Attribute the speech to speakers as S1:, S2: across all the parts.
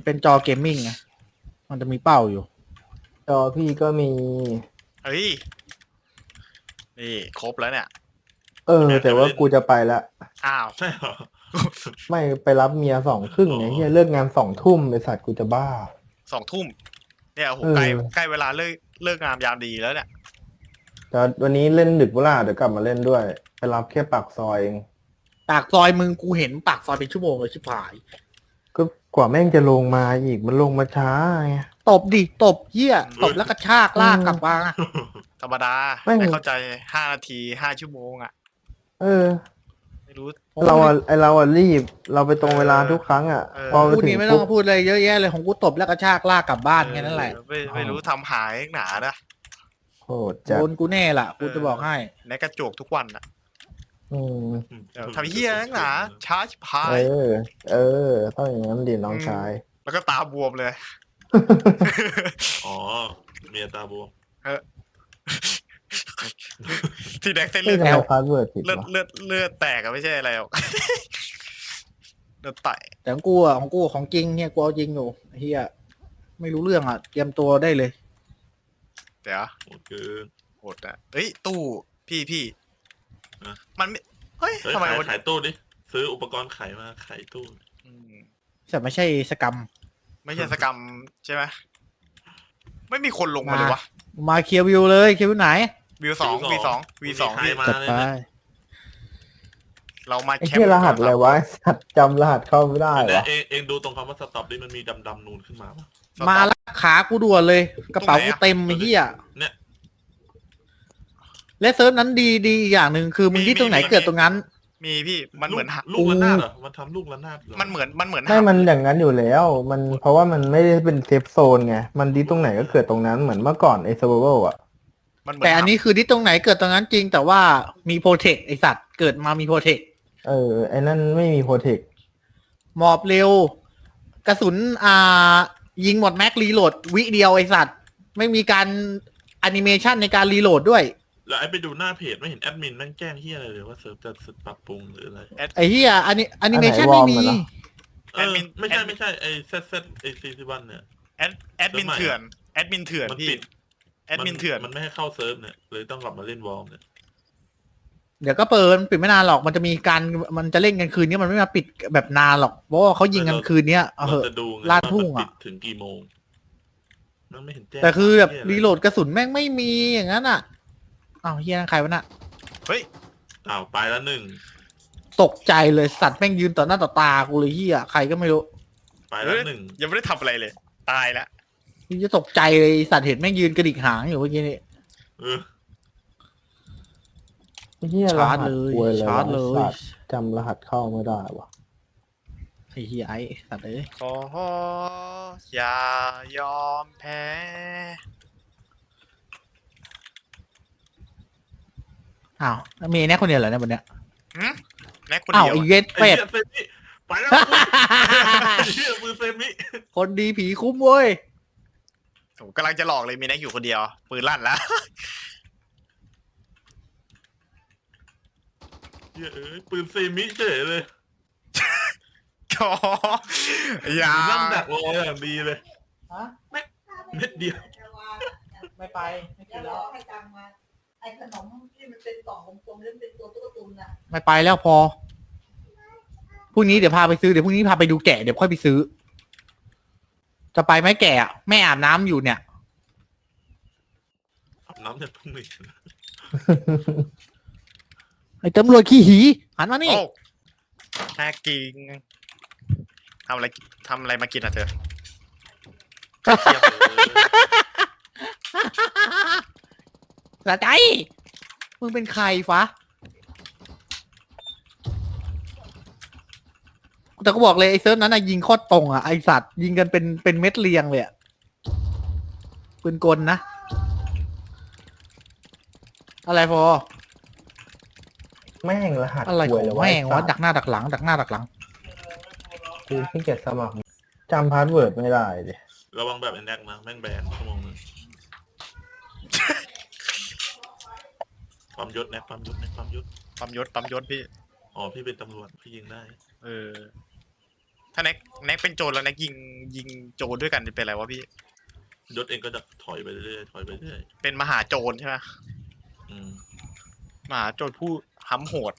S1: เป็นจอเกมมิ่งไงมันจะมีเป้าอยู่
S2: จอพี่ก็มี
S3: เฮ้ยนี่ครบแล้วเนี่ย
S2: แต่ว่ากูจะไปละ
S3: อ้าว
S4: ใช่เหรอ
S2: ไม่ไปรับเมีย2:30เนี่ยเฮียเลิกงาน2 ทุ่มไอสัตว์กูจะบ้า
S3: 2 ทุ่มเนี่ยโอ้โห
S2: เออ
S3: ใกล้เวลาเลิกงามยามดีแล้วเนี่ย
S2: แต่วันนี้เล่นดึกเวลาเดี๋ยวกลับมาเล่นด้วย ไปรับแค่ปากซอยเอง
S1: ปากซอยมึงกูเห็นปากซอยเป็นชั่วโมงเลยชิบหาย
S2: ก็กว่าแม่งจะลงมาอีกมันลงมาช้าไง
S1: ตบดิตบเหี้ยตบแล้วกระชากลากกลับมา
S3: ธรรมดา
S2: ไม่
S3: ไม่เข้าใจ5 นาที5 ชั่วโมงอ่ะ
S2: เออ
S3: ไม่รู้
S2: เราอะรีบ เราไปตรงเวลาทุกครั้งอ่ะ
S3: เออ
S2: พอไป
S1: พูด
S2: ถึ
S1: นี้
S2: ง
S1: ไม่ต้อ
S2: ปุ๊
S1: ง
S2: บ
S1: พูดอะไรเยอะแยะเลยของกูตบแล้วกระชากลากกลับบ้านแค่นั้นแหละ
S3: ไม่รู้ทำหายหนานะ
S2: โหดจัด
S1: โดนกูแน่ล่ะกูจะบอกให้
S3: ในกระจกทุกวันอ่ะ
S2: อืม
S3: เดี๋ยวทำเฮียนักหนาช้าชิบหา
S2: เอย ต้องอย่างนั้นดิน้องชาย
S3: แล้วก็ตาบวมเลย
S4: อ๋อเมียตาบวม
S3: ที่แดกเส้น
S2: เฮ้
S3: เลื
S2: ย
S3: อด
S2: ทำไมพาสเวิร์ดผิด
S3: เลือด
S2: วะ
S3: เลือดแตกอะไม่ใช่อะไรหรอก เลือดไต
S1: แต่ของกูอะของจริงเนี่ยกูเอาจริงอยู่เฮียไม่รู้เรื่องอ่ะเตรียมตัวได้เลย
S3: เดี๋ยว
S4: โหดเกิน
S3: โหดอ่ะเอ้ยตู้พี่
S4: นะ
S3: มันไม่เฮ้ย
S4: เฮ้ย
S3: ทำไม
S4: ขาย
S3: วัน
S4: ขายตู้ดิซื้ออุปกรณ์ขายมาขายตู้
S3: อืม
S1: แต่ไม่ใช่สกรรม
S3: ไม่ใช่สกรรมใช่ไหมไม่มีคนลงมาเลยวะ
S1: มาเคลียร์วิวเลยเคลียร์วิวไหน
S3: วีสองวีสอง
S4: ใคร
S3: พี่
S4: มา
S1: จัด
S4: เลย
S1: ไป
S4: นะ
S3: เรามา
S2: ไอ้
S3: แคม
S2: เหี้ย
S3: ป์
S2: รหัสอะไรวะไอ้สัตว์จำรหัสเข้าไม่ได้
S4: เนี่
S2: วะ
S4: ยเองดูตรงคำว่าสต็อปดิมันมีดำนูนขึ้นมาปะ
S1: มาละขากูด่วนเลย กระเป๋ากูเต็มไอ้เหี้ย
S4: เนี่ย
S1: และเซิร์ฟนั้นดีอีกอย่างหนึ่งคือมึงที่ตรงไหนเกิดตรงนั้น
S3: มีพี่มันเหมือน
S4: ลูกระนาดเหรอมันทำลูกระนาดเหรอ
S3: มันเหมือน
S2: ไม่มันอย่างนั้นอยู่แล้ว มันเพราะว่ามันไม่ได้เป็นเซฟโซนไง มันดีตรงไหนก็เกิดตรงนั้นเหมือนเมื่อก่อนไอ้เซอร์ไวลอ่ะ
S3: มันเหมื
S1: แต่อันนี้คือที่ตรงไหนเกิดตรงนั้นจริง แต่ว่ามีโปรเทคไอสัตว์เกิดมามีโปรเทค
S2: ไอ้นั่นไม่มีโปรเทค
S1: หมอบเร็ว กระสุนยิงหมดแม็กรีโหลดวิเดียวไอสัตว์ไม่มีการแอนิเมชันในการรีโหลดด้วย
S4: แล้วไอ้ไปดูหน้าเพจไม่เห็นแอดมินแม่งแจ้งเฮียอะไรเลยว่าเซิร์ฟจะปรับปรุงหรืออะไร
S1: ไอเหี้ยแอนิเมชันไม่มี
S4: ไม่ใช่ไอ้เซตไอ้ซีวันเนี่ย
S3: แอดมินเถื่อนแอดมินเถื่อน
S4: มัน
S3: พี่
S4: ปิด
S3: แอดมินเถื่อน
S4: มันไม่ให้เข้าเซิร์ฟเนี่ยเลยต้องกลับมาเล่นวอลเนี่ย
S1: เดี๋ยวก็เปิดปิดไม่นานหรอกมันจะมีการมันจะเล่นกันคืนนี้มันไม่มาปิดแบบนานหรอกเพราะว่าเขายิงกันคืนนี้เอาเห
S4: เรา
S1: อะ
S4: จะดูไง
S1: ลาดทุ่งอะ
S4: ว่ามันปิดถึงกี่โมงมันไม่เห็นแจ้ง
S1: แต่คือแบบ
S4: เหี้ยะไ
S1: รีโหลดกระสุนแม่งไม่มีอย่างนั้นอ่ะอ้าวเฮียนั่นใครวะน่ะ
S3: เฮ้ย
S4: อ้าวไปแล้วหนึ่ง
S1: ตกใจเลยสัตว์แม่งยืนต่อหน้าต่อตากูเลยเฮียใครก็ไม่รู้
S4: ไปแล้วหนึ่ง
S3: ยังไม่ได้ทำอะไรเลย ตายแล้ว
S1: นี่จะตกใจเลยไอ้สัตว์เห็นแม่งยืนกระดิกหางอยู่เมื่อกี้นี่
S4: เออ
S2: ไอ้เหี้ยร
S1: ชาร์
S2: หั
S1: จ
S2: ส
S1: เลย
S2: ควยเลย
S1: ชาร์จเลย
S2: สัตว์จำรหัสเข้าไม่ได้วะ
S1: ไอ้เฮียไอ้สัตว์เอ้ย
S3: ขออย่ายอมแพ้
S1: อ้าวมีแน่คนเดียวเหรอเนี่ยวันเนี้ย
S3: แม็กคน
S1: อ้าว
S3: เดียว
S1: ไอ้
S3: อะ
S1: เวท
S4: ไอ้
S1: เป็ด
S4: เหี้ยเซมิไปแล้วเหี้ยมือเซมิ
S1: คนดีผีคุ้มเว้ย
S3: ผมกำลังจะหลอกเลยมีแน็กอยู่คนเดียว ปืนลั่นแล้ว
S4: เหี้ยปืนเซมิเฉยเลย
S3: ขออย่า
S4: นั่งดักรออย่างดีเลย
S1: ฮะ
S4: เม็ดเดียว
S1: ไม่ไปไม่กิ
S5: จะ
S1: น
S5: ร
S1: แล้
S5: อ
S1: ว
S5: ให้ตังค์มาไอ้ขนมที่มันเป็นกล่องกลมๆแล้วเป็นตัวตุ๊กตุนน่ะ
S1: ไม่ไปแล้วพอพรุ่งนี้เดี๋ยวพาไปซื้อเดี๋ยวพรุ่งนี้พาไปดูแกะเดี๋ยวค่อยไปซื้อ จะไปไหมแกะอะแม่อาบน้ำอยู่เนี่ย
S4: อาบน้ำจากพรุ่งนี้
S1: ไอ้ตำรวจขี้หีหันมานี่
S3: โอ้น่ากินทำอะไรมากินอ่ะเธอ
S4: เทียบเลย
S1: สะใจมึงเป็นใครฟะแต่ก็บอกเลยไอ้เซิร์ฟนั้นน่ะยิงโคตรตรงอ่ะไอสัตว์ยิงกันเป็นเม็ดเรียงเลยอ่ะปืนกลนะ อะไรฟอ
S2: แม่งรหัส
S1: อะไร
S2: ค
S1: ข
S2: ว
S1: อย ง
S2: เลยวะ
S1: แม่ง
S2: ไอ้
S1: วะ
S2: สัตว์
S1: ดักหน้าดักหลังดักหน้าดักหลัง
S2: คือขี้เกียจสมัครจำพาสเวิร์ดไม่ได้ดิ
S4: ระวังแบบไอ้แน็กนะแม่งแบนชั่วโมงนึงปั๊มยศแน็กปั๊มยศแน็กปั๊มยศ
S3: ปั๊มยศพี่
S4: อ๋อพี่เป็นตำรวจพี่ยิงได้
S3: เออถ้าแน็กเป็นโจรแล้วแน็กยิงโจรด้วยกันจะเป็นอะไรวะพี่
S4: ยศเองก็จะถอยไปเรื่อยถอยไปเรื่อย
S3: เป็นมหาโจรใช่ไหม
S4: อืม
S3: มหาโจรผู้ห้ำโหด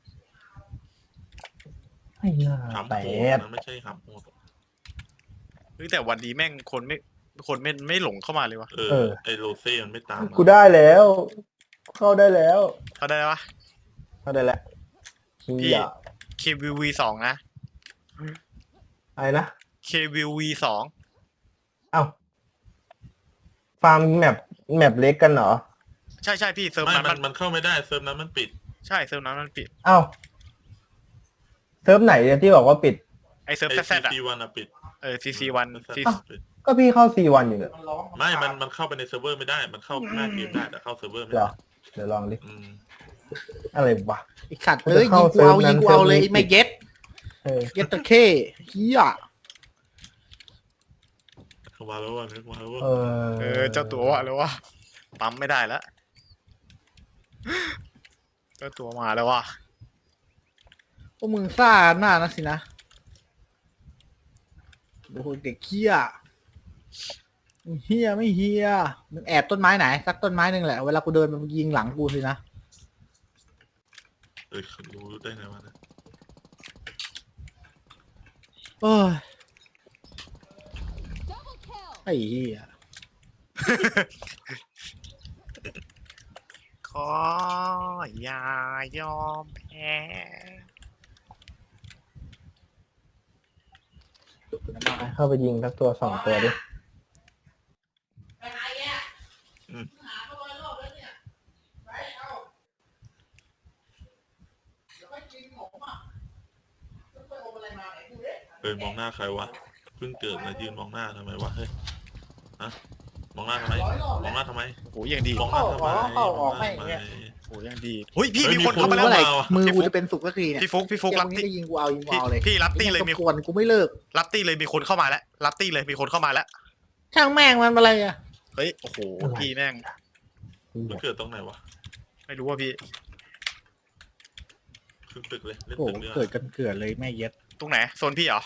S2: ไอ้หน้า
S4: หำ
S2: แป
S4: โหด
S2: ด
S4: นะไม่ใช่หำโหด
S3: เฮ้ยแต่วันนี้แม่งคนไม่หลงเข้ามาเลยวะ
S4: ไอโรเซ่มันไม่ตามมา
S2: กูได้แล้ว เข้าได้แล้ว
S3: เขาได้ปะ
S2: เข้าได้แล้ว
S3: พี่
S2: เฮีย
S3: KVV 2นะ
S2: อะไรนะ
S3: KVV 2
S2: เอ้าฟาร์มแมปเล็กกันเหรอ
S3: ใช่พี่เซิร์ฟ
S4: ไม่
S3: นั้น
S4: มันเข้าไม่ได้เซิร์ฟนั้นมันปิด
S3: ใช่เซิร์ฟนั้นมันปิด
S2: เอ้าเซิร์ฟไหนเนี่ยที่บอกว่าปิด
S3: ไอเซิร์ฟ
S4: ไอ
S3: แซดอะ
S4: CC1 อะปิด
S3: CC1
S4: ปิด
S2: ก็พี่เข้า C1 อยู่เนี่ย
S4: ไม่มันเข้าไปในเซิร์ฟเวอร์ไม่ได้ มันเข้าหน้าเกมได้แต่เข้าเซิร์ฟเวอร์ไม่
S2: เหร
S4: ได้
S2: อ เดี๋ยวลองดิ
S4: อืม
S2: อะไรวะ
S1: ไอสัตว์
S2: มัน
S1: เอ้
S2: จะ
S1: ย
S2: เข้า
S1: ยิงกูเอา
S2: เซิร์ฟนั้น
S1: เลย
S2: เซิร์ฟนี้
S1: ไอ้ไม่เย็ด
S2: เออ
S1: เย็ดตะเข้เฮีย
S4: เข้ามาแล้วว่านึกมาแล้วว่า
S3: เจ้าตัวว่าแล้ววะปั๊มไม่ได้แล้วเจ้าตัวมาแล้ววะ
S1: พวกมึงซ่าหน้านะสินะโอ้โหเด็กเฮียมึงเฮียไม่เฮียมึงแอบต้นไม้ไหนสักต้นไม้หนึ่งแหละเวลากูเดินมันยิงหลังกูสินะ
S4: รู้ได้ไงวะนะ
S1: โอ้ยไอ้เฮีย
S3: ขออย่ายอมแพ้
S2: เข้าไปยิงสักตัวสองตัวดิ
S5: ไปไหนแกหาเขา100 รอบแล้วเนี่ยไปเอาเดี๋ยวไปกินของอ่ะแล้วไปเอาอะไรมาไหนดูดิ
S4: มองหน้าใครวะเพิ่งเกิดมายืนมองหน้าทำไมวะเฮ้ยฮะมองหน้าทำไม
S5: 100 รอบ
S4: ม
S5: แล้
S4: อ
S5: ว
S4: งหน้าทำไม
S3: โหยังดี
S4: มองหน้าทำไม
S1: เข้าออก
S4: มองหน้าทำ
S1: ไม่
S4: ไม
S3: โหยังดีเฮ้ยพี่
S4: เฮ้ย
S3: มีคน
S4: มีคน
S3: เข้ามาแล้ว
S1: เมื่อไหร่
S4: เข้ามา
S1: มือกูจะเป็นสุกสักทีเนี่ย
S3: พี่ฟุกรับ
S1: เกม
S3: ตี้
S1: นี้จะยิงกูเอายิงกูเอาเลย
S3: พี่รับตี้เลย
S1: มี
S3: มี
S1: กวนกูไม่เลิก
S3: รับตี้เลยมีคนเข้ามาแล้วรับตี้เลยมีคนเข้ามาแล้ว
S1: ช่างแม่งมันอะไรอ่ะ
S3: เฮ้ยโอ้โหพี่แม่ง
S4: มันเกิดตรงไหนวะ
S3: ไม่รู้ว่าพี่
S4: ขึ้นตึกเลยเล่น
S1: โอ้โห
S4: ตึกเลย
S1: เกิดกันเกิดเลยแม่เย็ด
S3: ตรงไหนโซนพี่เหรอ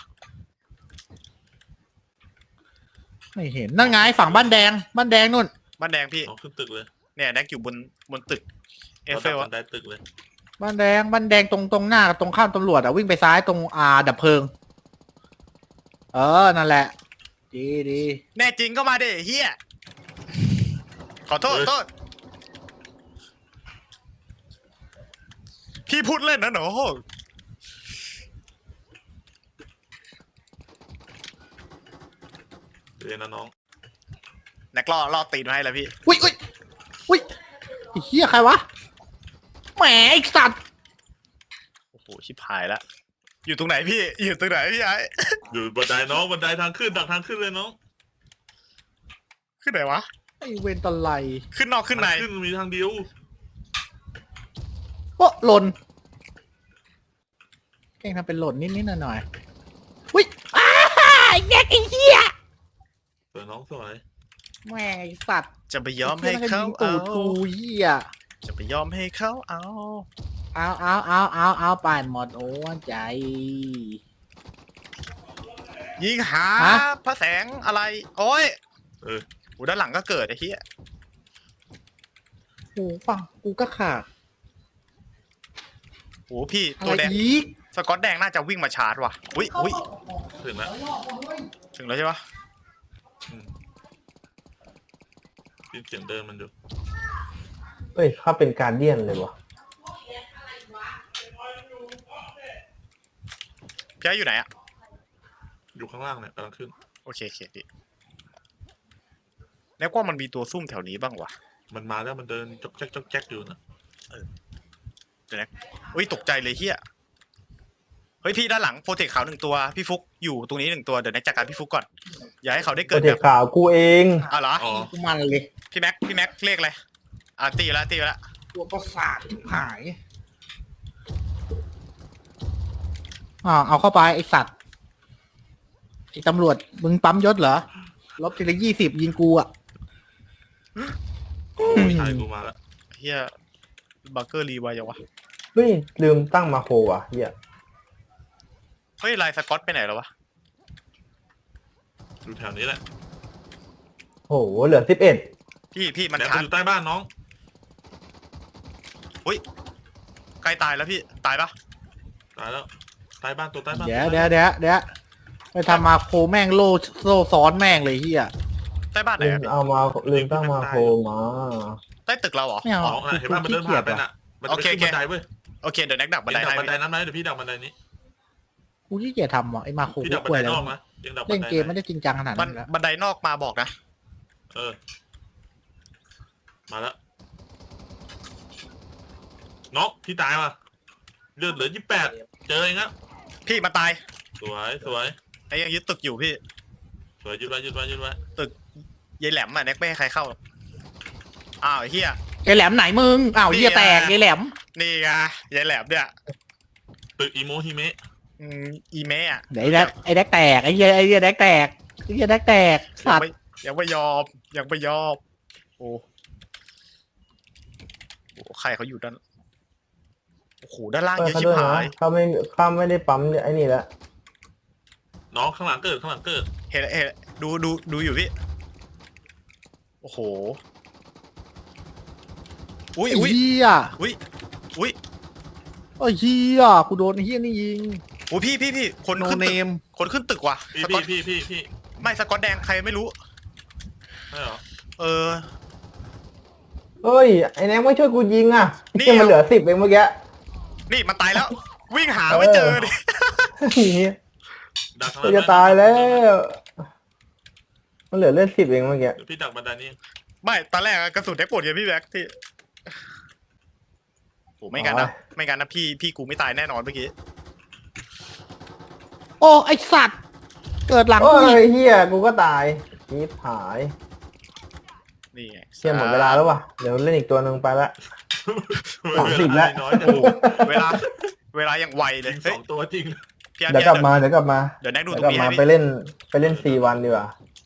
S1: ไม่เห็นนั่นไงฝั่งบ้านแดงนู่น
S3: บ้านแดงพี่
S4: น้องขึ้นตึกเลย
S3: เนี่ยแน็กอยู่บนตึกเอฟเฟล
S4: บั
S3: อะ
S4: นไดตึกเลย
S1: บ้านแดงตรงหน้ากับตรงข้ามตำรวจอ่ะวิ่งไปซ้ายตรงดับเพลิง นั่นแหละ ดี
S3: แน่จริงก็มาเด้เฮียขอโทษพี่พูดเล่นนะหนู
S4: เดี๋ยวนะน้อง
S3: แน็กล่อตีนมาให้แล้วพี่
S1: อุ้ยไอ้เหี้ยใครวะแหมไอ้สัตว์
S3: โอ้โหชิบหายแล้วอยู่ตรงไหนพี่อยู่ตรงไหนพี่ไอ้
S4: อยู่บันไดน้องบันไดทางขึ้นดักทางขึ้นเลยน้อง
S3: ขึ้นไหนวะ
S1: ไอ้เวนตะไล
S3: ขึ้นนอกขึ้นใน
S4: ทางขึ้นมีทางเดียว
S1: โอ้หล่นแกล้งทำเป็นหล่นนิดหน่อยอุ้ยไอ้แกไอ้เหี้ย
S4: สวยน้องสวย
S1: แม่งไอ้สัตว์
S3: จะไปยอมให้เขา
S1: ตู
S3: เอา
S1: ดกูเหี้ย
S3: จะไปยอมให้เขาเอา
S1: เอาไปหมดโอ้ใจ
S3: ยิงหา
S1: ฮะ
S3: พระแสงอะไร โอ้ย
S4: เออ
S3: โหด้านหลังก็เกิดไอ้เหี้ย
S1: โอ้ฟังกูก็ขาด
S3: โหพี่
S1: อะ
S3: ตัว
S1: ไร
S3: แดง
S1: อีก
S3: สกอตแดงน่าจะวิ่งมาชาร์จว่ะอุ้ย
S4: ถึงแล้ว
S5: 100 รอบเฮ้ย
S3: ถึงแล้วใช่ปะ
S4: ยินเสียงเดินมันอยู่
S2: เฮ้ยเข้าเป็นการเดียนเลยวะ
S3: พี่ไอ้อยู่ไหนอะ
S4: อยู่ข้างล่างเนี่ยกำลังขึ้น
S3: โอเคพี่แล้วว่ามันมีตัวซุ่มแถวนี้บ้างวะ
S4: มันมาแล้วมันเดินจ๊อกแจ๊กอยู่นะ
S3: อุ้ยตกใจเลยเฮียเฮ้ยพี่ด้านหลังโปรเทคขาว1 ตัวพี่ฟุกอยู่ตรงนี้1 ตัวเดี๋ยวแน็กจัดการพี่ฟุกก่อนอย่าให้เขาได้
S2: โป
S3: เกิ
S2: ร
S3: ด
S2: เจ
S3: แบ
S2: ก
S3: บ
S2: ต์ข่าวกูเอง
S3: เหรอ
S4: อ๋อ
S1: กูมันเลย
S3: พี่แม็กเรียกอะไรตีไปแล้ว
S1: ตัวประสาทที่หายเอาเข้าไปไอสัตว์ไอตำรวจมึงปั๊มยศเหรอลบทีละ20ยิงกูอ่ะ
S4: โอ้ยชายกูมาแล้ว
S3: เฮียบังเกอร์รีไวยังวะ
S2: เฮ้ยลืมตั้งมาโครอ่ะเฮีย
S3: เฮ้ยลายสกอตไปไหนแล้ววะ
S4: อยู่แถวนี้แหละ
S2: โอ้โหเหลือ11
S3: พี่มัน
S4: แดก
S3: ชา
S4: มัน
S3: ร์จ
S4: อยู่ใต้บ้านน้อง
S3: ใกล้ตายแล้วพี่ตายปะ
S4: ตายแล้วใต้บ้านตัวใต้บ้าน
S1: เดี๋ยวไปทำมาโคแม่งโล่ซ้อนแม่งเลยเฮีย
S3: ใต้บ้านไหน
S2: ลืม
S3: อะพี่
S2: เอามาลืมตั้งมาโคมา
S3: ใต้ตึกเราเหรอ
S1: ไม่เอา
S4: น้องเห็นป่ะมันเดินผ่านไปน่ะมันจะไปขึ้นบันไดเว้ย
S3: โอเคเดี๋ยวแน็กดักบันได
S4: ดัก
S3: ให้
S4: บันไดนั้นไหมเดี๋ยวพี่ดักบันไดนี้
S1: กูขี้เกียจทำอ่ะไอ้มาโค
S4: พี่ดักบั
S1: ก
S4: น
S1: ล้วย
S4: ได
S1: แล้ว
S4: นอกนะยังดักบั
S1: เล่
S4: น
S1: น
S4: ได
S1: เกมไม่ได้จริงจังขนาดนั้นแล้ว
S3: บันไดนอกมาบอกนะ
S4: เออมาแล้วน้องพี่ตายว่ะเลือดเหลือ28เจอเองครับ
S3: พี่มาตาย
S4: สวยสวย
S3: ไอ้ยังยึดตึกอยู่พี่
S4: สวยยึดไว้ยึดไว้ยึดไว้
S3: ยายแหลมอะแน็กไม่ให้ใครเข้าหรอกอ้าวไอ้เฮีย
S1: ไอ้แหลมไหนมึงอ้าวเฮียแตกไอ้แหลม
S3: นี่ไงยายแหลมเนี่ย
S4: ตึกอีโมฮิเมะ
S3: อีเมะอะ
S1: ไอ้แดกแตกไอ้เฮียแดกแตกไอ้เฮียแดกแตกสัตว์
S3: ยังไม่ยอมยังไม่ยอมโอ้ใครเขาอยู่ด้านโอ้โหด้านล่าง
S2: เปิด
S3: เยอะ
S2: เขา
S3: ชิบ
S2: ด้วย
S3: หา
S2: นะ
S3: ย
S2: เขาไม่ได้ปั๊มไอ้นี่แล้ว
S4: น้องข้างหลังเกิดข้างหลังเกิด
S3: เห็นดูอยู่พี่โอ้โหอุ้ย
S1: ไอ้
S3: อุ้ย
S1: เฮีย
S3: อุ้ยอุ้ย
S1: ไอ้เฮียกูโดนไอ้เฮียนี่ยิง
S3: โอ้พี่คน
S1: โน
S3: ขึ้น
S1: เน
S3: ตึก
S1: ม
S3: คนขึ้นตึกว่ะ
S4: พี่
S3: สกอต
S4: พี่
S3: ไม่สกอตแดงใครไม่รู้
S4: ใช่เหรอ
S3: เออ
S2: เฮ้ยไอ้แน็กไม่ช่วยกูยิงอ่ะ
S3: นี่
S2: ที่มันเหลือ10เองเมื่อกี้
S3: นี่มันตายแล้ว วิ่งหาไม่เจอดิ
S4: ดักข้างห
S2: กู
S4: ลัง
S2: จะตายแล้ว มันเหลือเลือด10เองเมื่อกี้
S4: เดี๋ยวพี่ดักบันไดนี้
S3: ไม่ตอนแรกอะกระสุนได้ปวดไงพี่แบ็คที่โอ้ไม่งั้นนะไม่งั้นนะพี่กูไม่ตายแน่นอนเมื่อกี้
S1: โอ้ไอสัตว์เกิดหลัง
S2: โอ้
S1: กูอี
S2: ย
S1: ก
S2: เฮียกูก็ตายชีพหาย
S3: นี่ไง
S2: เชี่ยหมดเวลาแล้วว่ะเดี๋ยวเล่นอีกตัวหนึ่งไปละ 30แล้ว
S4: น้อยจัง
S3: โอ้เวลายังไวเลย
S4: ยิง
S3: เฮ้ย
S4: 2ตัวจริง
S3: พี่อาร์
S2: เดี๋ยวกลับมาเดี๋ยวกลับมา
S3: เดี๋ยวแน็กดู
S2: เดี๋
S3: ต
S2: ยว
S3: รง
S2: กลับ
S3: นี้
S2: มา
S3: ให้
S2: ไป
S3: พี่
S2: เล่น4 วันดีกว่า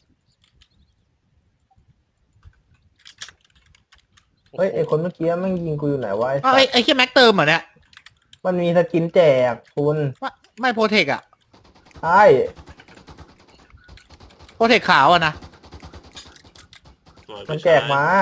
S2: เฮ้ยไอคนเมื่อกี้แม่งยิงกูอยู่ไหนวะ
S1: อ้าวไอ้เฮียแม็กเติมเหรอเนี่ย
S2: มันมีสกินแจกคุณ
S1: ไม่โปรเทคอะ
S2: ใช่
S1: โปรเทคขาวอะนะ
S4: สวย
S2: มันแจกมา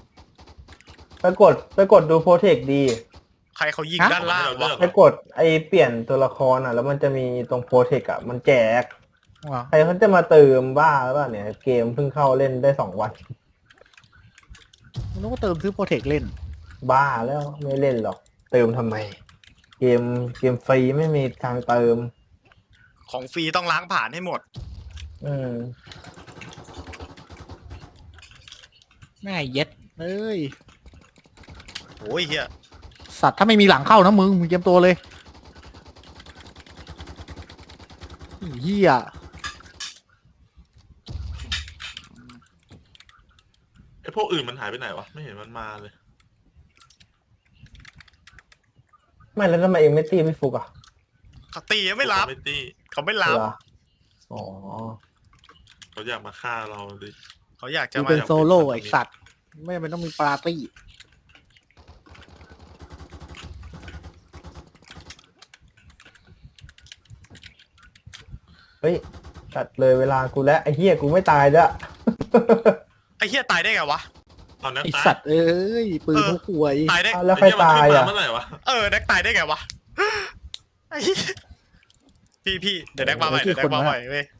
S2: ไปกดดูโปรเทคดี
S3: ใครเขายิงด้านล่างวะ
S2: ไปกดไอเปลี่ยนตัวละครอ่ะ แล้วมันจะมีตรงโปรเทคอ่ะ มันแจก
S1: ว้าว
S2: ใครเขาจะมาเติมบ้าหรือเปล่าเนี่ย เกมเพิ่งเข้าเล่นได้2 วัน
S1: มันต้องเติมซื้อโปรเทคเล่น
S2: บ้าแล้วไม่เล่นหรอก เติมทำไม เกมฟรีไม่มีทางเติม
S3: ของฟรีต้องล้างผ่านให้หมด
S2: อืม
S1: แม่เย็ดเอ้ย
S3: โอ้ยเฮีย
S1: สัตว์ถ้าไม่มีหลังเข้านะมึงเตรียมตัวเลยไอ้เฮีย
S4: ไอพวกอื่นมันหายไปไหนวะไม่เห็นมันมาเลย
S2: ไม่แล้วทำไมเองไม่ตีไม่ฟุกอ่ะ
S3: เขาตีไม่รับ
S4: ไม่ตี้
S3: เขาไม่รับ
S2: เหรออ๋อ
S4: เขาอยากมาฆ่าเราเลย
S3: เขาอยากจะ
S1: กู
S3: มา
S1: เป็นโซโล่ไอสัตว์ไม่จำเป็นต้องมีปาร์ตี้
S2: เฮ้ยตัดเลยเวลากูแล้วไอ้เหี้ยกูไม่ตายแล้ว
S3: ไอ้เฮียตายได้ไงวะ
S4: เอานัก
S1: ไอ
S4: ตาย
S1: สัตว์เอ้ยปืนเขาควย
S3: ตายได้
S2: อ้าวแล้วใครตายอ่ะ
S4: เมื่อไหร่วะ
S3: แน็กตายได้ไงวะไอ้เหี้ยพี่เดี๋ยวแน็กมาใหม่เดี๋ยวแน็กมาใหม่เว้ย